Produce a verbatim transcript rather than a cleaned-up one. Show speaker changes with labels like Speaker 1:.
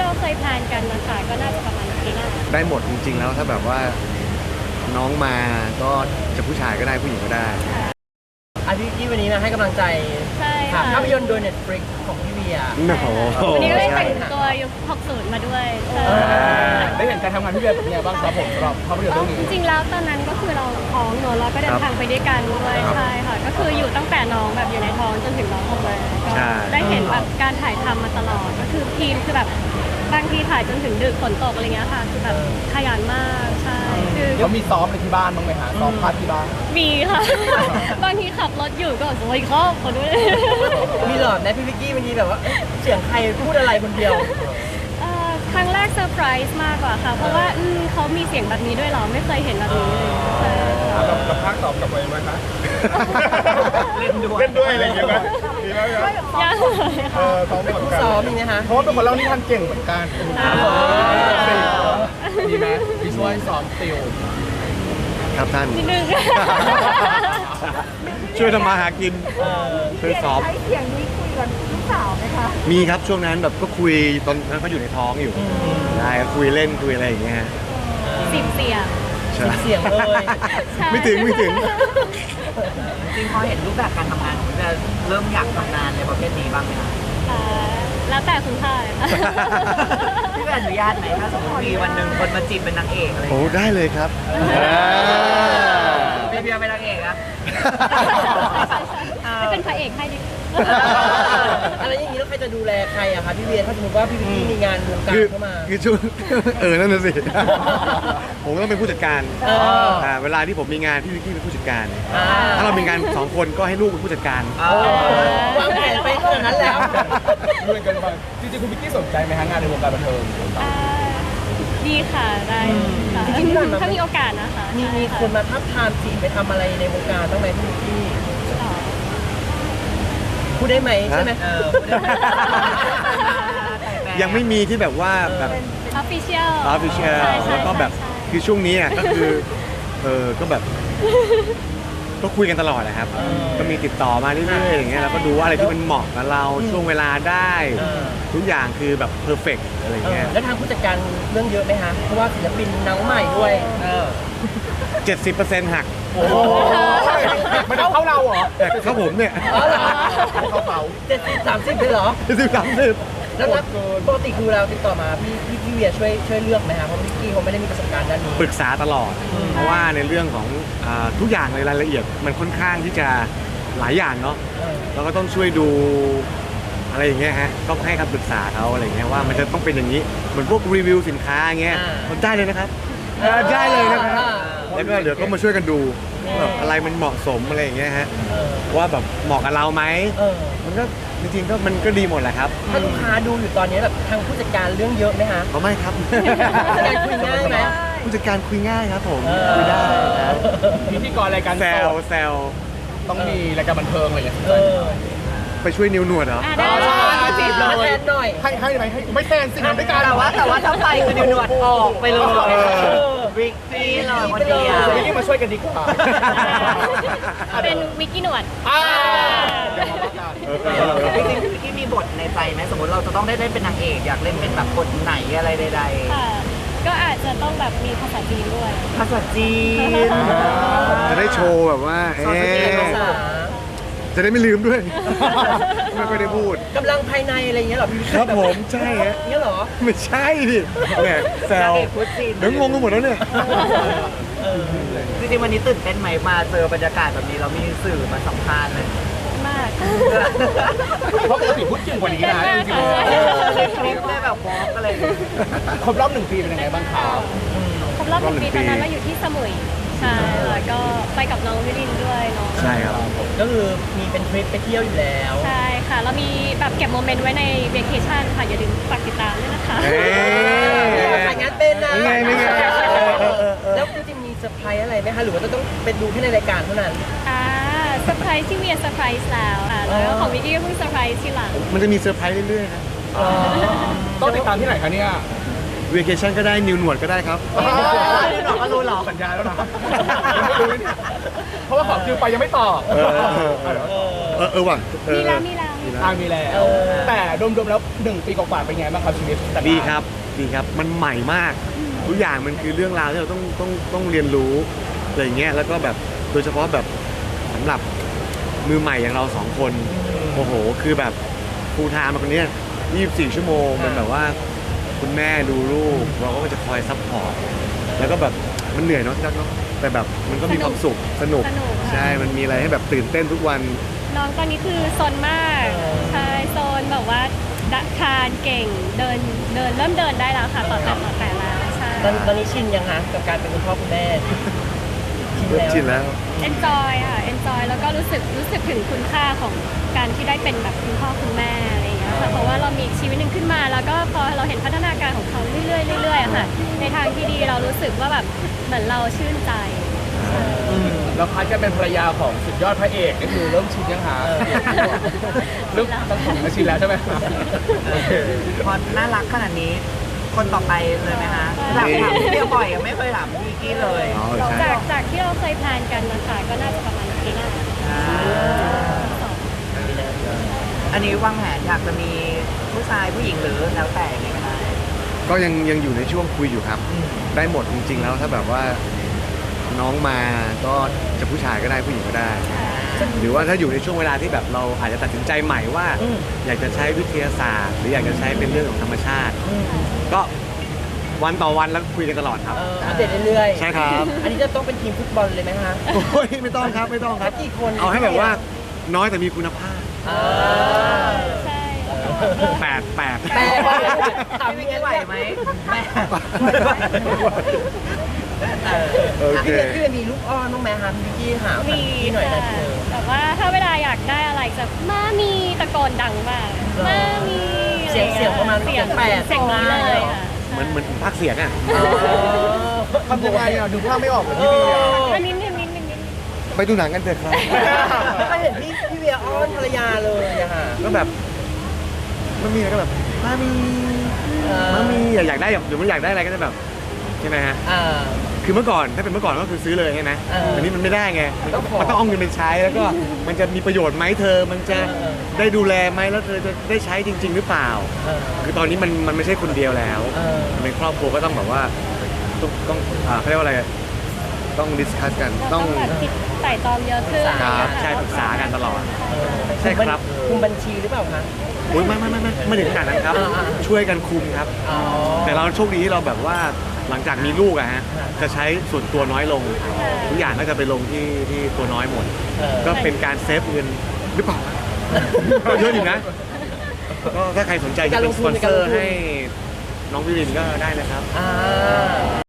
Speaker 1: เราเคยแพลนกันนะคะก็น่าจะประมาณปีหน้า
Speaker 2: ได้หมดจริงๆแล้วถ้าแบบว่าน้องมาก็จะผู้ชายก็ได้ผู้หญิงก็ได้
Speaker 3: อาทิตย์ที่วันนี้มาให้กำลังใจ
Speaker 1: ใช่ค่ะ
Speaker 3: ภาพยนตร์โดย Netflix ของพี่เบียร์
Speaker 2: โอ้โห
Speaker 1: วันนี้ก็ได้แต่งตัวยุคหกสิบมาด้วยใช่
Speaker 4: ได้เห็นการทำงานพี่เบียร์เป็นยังไงบ้างครับผมสำหรับภาพยนตร์เรื่องนี้
Speaker 1: จริงๆแล้วตอนนั้นก็คือเราท้องเนอะเราก็เดินทางไปด้วยกันด้วยใช่ค่ะก็คืออยู่ตั้งแต่น้องแบบอยู่ในท้องจนถึงน้องออกมาก็ได้เห็นแบบการถ่ายทำมาตลอดก็คือทีมคือแบบบางทีถ่ายจนถึงดึกฝนตกอะไรเงี้ยค่ะคือแบบขยันมากใช่คือ
Speaker 4: เขามีซ้อมในที่บ้านบ้างไหมฮะซ้อมพาร์ทที่บ้าน
Speaker 1: มีค่ะบางทีขับรถอยู่ก็โอ้ยเขาขอด้วย
Speaker 3: มีหลอดนะพี่วิกกี้บางทีแบบว่าเสียงใครพูดอะไรคนเดียว
Speaker 1: ครั้งแรกเซอร์ไพรส์มากกว่าค่ะเพราะว่าเขามีเสียงแบบนี้ด้วยเหรอไม่เคยเห็นแบบนี้เลย
Speaker 4: แล้วภาคตอบกลับไปไหมคะเล่นด้วยเล่นด้วยอะไรอย่างเงี้ยไหมดีไหมครับ
Speaker 1: ยังเลยค่ะ
Speaker 4: ซ้อมก่อน
Speaker 3: ซ้อมนี่นะคะ
Speaker 4: เพราะว่าเป็นคนเล่านิทานเก่งเหมือนกันดีไหมพี่ช่วยสอนติว
Speaker 2: ครับท่าน
Speaker 1: นิดนึง
Speaker 2: ช่วยทำมาหากินช่วยสอบ
Speaker 5: ใช้เสียงนี้คุยกับลูกสาวไหมคะ
Speaker 2: มีครับช่วงนั้นแบบก็คุยตอนนั้นเขาอยู่ในท้องอยู่ใช่คุยเล่นคุยอะไรอย่างเงี้ย
Speaker 1: สิบเสียง
Speaker 3: สิบเสียงเลย
Speaker 2: ไม่ถึงไม่ถึง
Speaker 6: จริงพอเห็นรูปแบบการทำงานคุณจะเริ่มอยากทำงานในประเภทนี้บ้างไหมคะ
Speaker 1: แล้วแต่คุณพ่อ
Speaker 6: พี่อนุญาตไหมถ้าสมมติมีวันหนึ่งคนมาจีบเป็นนางเอกอะไร
Speaker 2: โอ้ได้เลยครับ
Speaker 6: พี่เบียร์เป็นนางเอกอะ
Speaker 1: ไม่เป็นพระเอกให้ดิ
Speaker 3: อะไรอย่างนี้แล้วใครจะดูแลใครอะคะพี่เบียร์ถ้าสมมติว่าพี่วิกกี้มีงานวงการเข้ามา
Speaker 2: คือช่วงเออนั่นน่ะสิผมก็ต้องเป็นผู้จัดการเวลาที่ผมมีงานพี่วิกกี้เป็นผู้จัดการถ้าเรามีงานสองคนก็ให้ลูกเป็นผู้จัดการ
Speaker 3: วางแผนไปขนาดนั้นแล้ว
Speaker 4: ด้วยกันไปจริงๆคุณวิกกี้สนใจไหมฮะงานในวงการบันเทิง
Speaker 1: ดีค่ะได้จริงๆถ้ามีโอกาสนะคะ
Speaker 3: มีมีคนมาทับทามจีบไปทำอะไรในวงการต้องไหมพี่วิกกี้พูดได้ไหมใช่ไหม
Speaker 2: ยังไม่มีที่แบบว่าแบบ
Speaker 1: official
Speaker 2: official แล้วก็แบบคือช่วงนี้อ่ะก็คือเออก็แบบก็คุยกันตลอดนะครับก็มีติดต่อมาเรื่อยๆอย่างเงี้ยแล้วก็ดูว่าอะไรที่มันเหมาะกับเราช่วงเวลาได้ทุกอย่างคือแบบเพอร์เฟกต์อะไรเงี้ย
Speaker 3: แล้วทางผู้จัดการเรื่องเยอะไหมฮะเพราะว่าศิลปินน้องใหม่ด้วย
Speaker 2: เจ็ดสิบเปอร์เซ็นต์หัก
Speaker 4: โอ้มันเข้าเราเหรอ
Speaker 2: เข้าผมเนี่ย
Speaker 3: เข้าเป๋าเจ็ดสิบสามสิบเลยเหรอ
Speaker 2: เจ็ดสิบสามสิบ
Speaker 3: แล้วปกติคือเราติดต่อมาพี่พี่พี่เวียช่วยช่วยเลือกไหมครับเพราะพี่กี้เขาไม่ได้มีประสบการณ์ด้านนี้
Speaker 2: ปรึกษาตลอดเพราะว่าในเรื่องของทุกอย่างในรายละเอียดมันค่อนข้างที่จะหลายอย่างเนาะเราก็ต้องช่วยดูอะไรอย่างเงี้ยฮะก็ให้คำปรึกษาเขาอะไรเงี้ยว่ามันจะต้องเป็นอย่างนี้เหมือนพวกรีวิวสินค้าเงี้ยมันได้เลยนะครับได้เลยนะครับแล้วก็เดี๋ยวก็มาช่วยกันดูแบบอะไรมันเหมาะสมอะไรอย่างเงี้ยฮะว่าแบบเหมาะกับเราไหมมันก็จริงๆก็มันก็ดีหมดแหละครับ
Speaker 3: ถ้าลูกค้าดูอยู่ตอนนี้แบบทางผู้จัดการเรื่องเยอะไหมฮะ
Speaker 2: ก็ไม่ครับ
Speaker 3: ผู้จัดการคุยง่ายไหม
Speaker 2: ผู้จัดการคุยง่ายครับผมคุยได้ครับ
Speaker 4: พิธีกรรายการ
Speaker 2: แซวแซว
Speaker 4: ต้องมีรายการบันเทิงอะไรอย่างเงี้ย
Speaker 2: ไปช่วยนิ้วหนวดเหรอ
Speaker 3: จีบเลยแทนหน่อย
Speaker 4: ให้ให้ไหมให้ไม่แทนสิทำด้วยกัน
Speaker 6: แต่ว่าแต่ว่าถ้าไปคือนิ้วหนวดออกไปเลยวิกกี้เลยคนเดียว
Speaker 4: วิกกี้มาช่วยกันดีกว่า
Speaker 1: เป็นวิกกี้หนวด
Speaker 6: จริงๆวิกกี้มีบทในใจไหมสมมติเราจะต้องได้เล่นเป็นนางเอกอยากเล่นเป็นแบบบทไหนอะไรใด
Speaker 1: ๆก็อาจจะต้องแบบมีภาษาจีนด้วย
Speaker 6: ภาษาจีน
Speaker 2: จะได้โชว์แบบว่าเอ๊ะจะได้ไม่ลืมด้วยไม่ค่อยได้พูด
Speaker 3: กำลังภายในอะไรอย่างเงี้ยหรอพี่
Speaker 2: ครับผมใช่ฮะ
Speaker 3: เงี้ยหรอ
Speaker 2: ไม่ใช่ดิแหมแซวเดี๋ยวงงกันหมดแล้วเนี่ย
Speaker 6: จริงๆวันนี้ตื่นเต้นไหมมาเจอบรรยากาศแบบนี้เรามีสื่อมาสัมภาษณ์เลย
Speaker 1: มาก
Speaker 4: เพราะปกติพูดเก่งกว่านี้นะจริง
Speaker 6: ๆในคลิปได้แบบวอล์กอะไร
Speaker 4: ครบรอบหนึ่งปีเป็นยังไงบ้างครับ
Speaker 1: ครบรอบหนึ่งปีตอนนั้นเราอยู่ที่สมุยใช่แล้วก็ไปกับน้องวิรินด้วยเนาะ
Speaker 2: ใช่ครับ
Speaker 3: ก็คือมีเป็นทริปไปเที่ยวอยู่แล้ว
Speaker 1: ใช่ค่ะเรามีแบบเก็บโมเมนต์ไว้ในเวเคชั่นค่ะอย่าลืมฝากติดตามด้วยนะคะ
Speaker 3: ถ่ายงานเป็นนะ
Speaker 2: ไงไง
Speaker 3: แล้วจริงๆมีเซอร์ไพรส์อะไรไหมคะหรือว่าจะต้องเป็นดูแค่ในรายการเท่านั้น
Speaker 1: อ่าเซอร์ไพรส์ที่เวียเซอร์ไพรส์แล้วค่ะแล้วของวิกกี้ก็เพิ่งเซอร์ไพรส์ทีหลัง
Speaker 2: มันจะมีเซอร์ไพรส์เรื่อยๆนะ
Speaker 4: ต้องติดตามที่ไหนคะเนี่ย
Speaker 2: เวเคชั่นก็ได้นิวหนวดก็ได้ครับ
Speaker 6: นิวหนวดก็รู้หรอ
Speaker 4: สัญญาแล้วนะเพราะว่าขอคิวไปยังไม่ตอบ
Speaker 2: เออเออว่ะ
Speaker 1: มีแล้วมีแล้วมี
Speaker 4: อ่ามีแล้ว แต่รวมๆแล้วหนึ่งปีกว่าๆเป็นไงบ้างครับชีวิตแต่ละ
Speaker 2: ดีครับดีครับมันใหม่มากทุกอย่างมันคือเรื่องราวที่เราต้องต้องต้องเรียนรู้อะไรอย่างเงี้ยแล้วก็แบบโดยเฉพาะแบบสำหรับมือใหม่อย่างเราสองคนโอ้โหคือแบบฟูลไทม์มาคนเนี้ยยี่สิบสี่ชั่วโมงมันแบบว่าคุณแม่ดูลูกเราก็จะคอยซัพพอร์ตแล้วก็แบบมันเหนื่อยเนาะจักเนาะแต่แบบมันก็มีความสุขสนุก
Speaker 1: สนุกค่ะ
Speaker 2: ใช่มันมีอะไรให้แบบตื่นเต้นทุกวัน
Speaker 1: น้องตอนนี้คือซนมากใช่ซนแบบว่าคลานเก่งเดินเดินเริ่มเดินได้แล้วค่ะต่อแต่ต่อแต่แล้วใช่
Speaker 3: ตอนตอนนี้ชินยังคะกับการเป็นคุณพ่อคุณแม่ชินแล้ว
Speaker 2: ชินแล้ว
Speaker 1: enjoy ค่ะ enjoy แล้วก็รู้สึกรู้สึกถึงคุณค่าของการที่ได้เป็นแบบคุณพ่อคุณแม่อะไรอย่างเงี้ยค่ะเพราะว่าเรามีอีกชีวิตหนึ่งขึ้นมา แล้วก็พอเราเห็นพัฒนาการของเขาเรื่อยๆเรื่อยๆอะค่ะในทางที่ดีเรารู้สึกว่าแบบเหมือนเราชื่นใจ
Speaker 4: แล้วพัดก็เป็นภรรยาของสุดยอดพระเอกนี่คือเริ่มชินยังหาเริ่มต้องถึงชินแล้วใช่ไหม
Speaker 6: พอน่ารักขนาดนี้ คนต่อไปเลยไหมคะถามถามพี่เดียวบ่อยอะไม่เคยถามพี่กี้เลย
Speaker 2: อ๋อใช่
Speaker 1: จากจากที่เราเคยแพลนกันนะคะก็น่าจะประมาณปีหน้า
Speaker 6: อันนี้วางแผนอยากจะมีผู้ชายผู้หญิงหรือแล้วแต่ยังไงก็ได้
Speaker 2: ก็ยังยังอยู่ในช่วงคุยอยู่ครับ ได้หมดจริงๆแล้วถ้าแบบว่าน้องมาก็จะผู้ชายก็ได้ผู้หญิงก็ได้ หรือว่าถ้าอยู่ในช่วงเวลาที่แบบเราอาจจะตัดสินใจใหม่ว่า อยากจะใช้วิทยาศาสตร์ หรืออยากจะใช้เป็นเรื่องของธรรมชาติ ก็วันต่อวันแล้วคุยกันตลอดครับ
Speaker 3: เอออัปเดตเรื่อยๆ
Speaker 2: ใช่ครับ
Speaker 3: อันนี้จะต้องเป็นทีมฟุตบอลเลยไหมคะ
Speaker 2: โอ้ยไม่ต้องครับไม่ต้องครับ
Speaker 3: กี่คน
Speaker 2: เอาให้แบบว่าน้อยแต่มีคุณภาพ
Speaker 3: อ่า
Speaker 1: ใช่
Speaker 2: แปดแปด
Speaker 3: แปดว่าถาม
Speaker 6: พี่
Speaker 3: พี่
Speaker 6: กี้
Speaker 3: กี้
Speaker 6: ไห
Speaker 3: ไห
Speaker 6: ว
Speaker 3: ว
Speaker 6: ไห
Speaker 3: ไห
Speaker 6: ม
Speaker 3: ม
Speaker 6: แม่
Speaker 2: โอเค
Speaker 3: พี่พี่มีลูกอ้อนบ้างไหมคะพี่กี้หา
Speaker 1: มี
Speaker 3: พี่หน่อย
Speaker 1: ค่ะ
Speaker 3: นะเธอ
Speaker 1: แต่ว่าถ้าเวลาอยากได้อะไรจะมามีตะโกนดังมากมามี
Speaker 3: เสียงเสียงประมาณ
Speaker 1: เสียง
Speaker 3: แปด
Speaker 1: เสียงนี้เลยค่ะ
Speaker 2: เหมือนเหมือนภาคเสียงอ่ะ
Speaker 4: ทำยังไงอ่ะดูภาพไม่ออกเลยพี่เบียร์
Speaker 1: อันนี้นิดนิดนิดนิด
Speaker 2: ไปดูหนังกันเถอะครับ
Speaker 3: ไม่เคยเห็นพี่พี่เวียอ้อนภรรยาเลยอะค่ะ
Speaker 2: ก็แบบมันมีอะไรก็แบบมามี
Speaker 3: เออ
Speaker 2: มามีอยากอยากได้แบบหรือมันอยากได้อะไรก็จะแบบใช่ไหมฮะ
Speaker 3: อ่า
Speaker 2: คือเมื่อก่อนถ้าเป็นเมื่อก่อนก็คือซื้อเลยใช่ไหม
Speaker 3: เออ
Speaker 2: แต่นี้มันไม่ได้ไงมัน
Speaker 3: ต้องขอ
Speaker 2: มันต้องเอาเงินไปใช้แล้วก็มันจะมีประโยชน์ไหมเธอ มันจะ
Speaker 3: เออ
Speaker 2: ได้ดูแลไหมแล้วเธอจะได้ใช้จริง ๆ หรือเปล่า
Speaker 3: เออ
Speaker 2: คือตอนนี้มันมันไม่ใช่คนเดียวแล้ว
Speaker 3: เออ
Speaker 2: มันเป็นครอบครัวก็ต้องแบบว่าต้องต้องอ่าเขาเรียกว่าอะไรต้องดิสคัสกัน
Speaker 1: เรา
Speaker 2: ต้
Speaker 1: ต้
Speaker 2: อ
Speaker 1: อง งแบบคิดไต่ตองเยอะขึ้น
Speaker 2: ครับใช่ปรึกษากันตลอด ใช่ครับ
Speaker 3: คุมบัญชีหรือเปล่าคะ
Speaker 2: โอ้ยไม่ไม่ไม่ไม่ไม่ถึงขนาดนั้นครับ
Speaker 3: อ่าอ่า
Speaker 2: ช่วยกันคุมครับ
Speaker 3: อ๋อ
Speaker 2: แต่เราโชคดีที่เราแบบว่าหลังจากมีลูกอะฮะจะใช้ส่วนตัวน้อยลง ทุกอย่างก็จะไปลงที่ที่ตัวน้อยหมด
Speaker 3: เออ
Speaker 2: ก็เป็นการเซฟเงินหรือเปล่าก็เยอะอยู่นะ ก็ถ้าใครสนใจจะเป็นสปอนเซอร์ให้น้องวิรินก็ได้นะครับ
Speaker 3: อ่า